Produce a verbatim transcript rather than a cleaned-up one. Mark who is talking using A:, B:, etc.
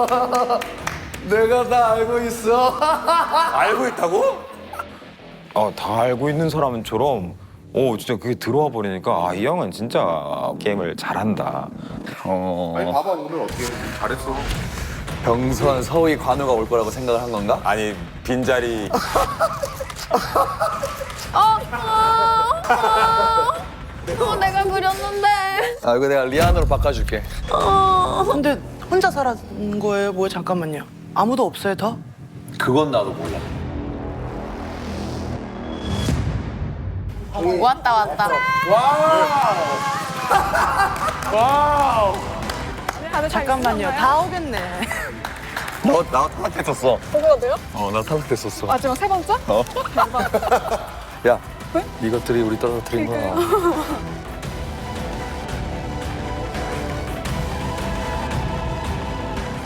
A: 내가 다 알고 있어.
B: 알고 있다고?
C: 어, 다 알고 있는 사람처럼 오 진짜 그게 들어와 버리니까 아, 이 형은 진짜 게임을 잘한다. 어.
B: 아니 봐봐 오늘 어떻게 잘했어.
A: 병수한 서희 관우가 올 거라고 생각을 한 건가?
B: 아니 빈자리
D: 어, 어, 어, 어, 내가 그렸는데.
A: 아 이거 내가 리안으로 바꿔줄게.
E: 근데 혼자 살았는 거예요? 뭐야 잠깐만요. 아무도 없어요 더?
A: 그건 나도 몰라.
D: 왔다 왔다.
E: 잠깐만요. 다 오겠네.
A: 너 나 탈락했었어.
D: 뭐가 돼요?
A: 어 나 탈락했었어.
D: 마지막 세 번째?
A: 어? 야 이것들이 우리 떨어뜨린 거야.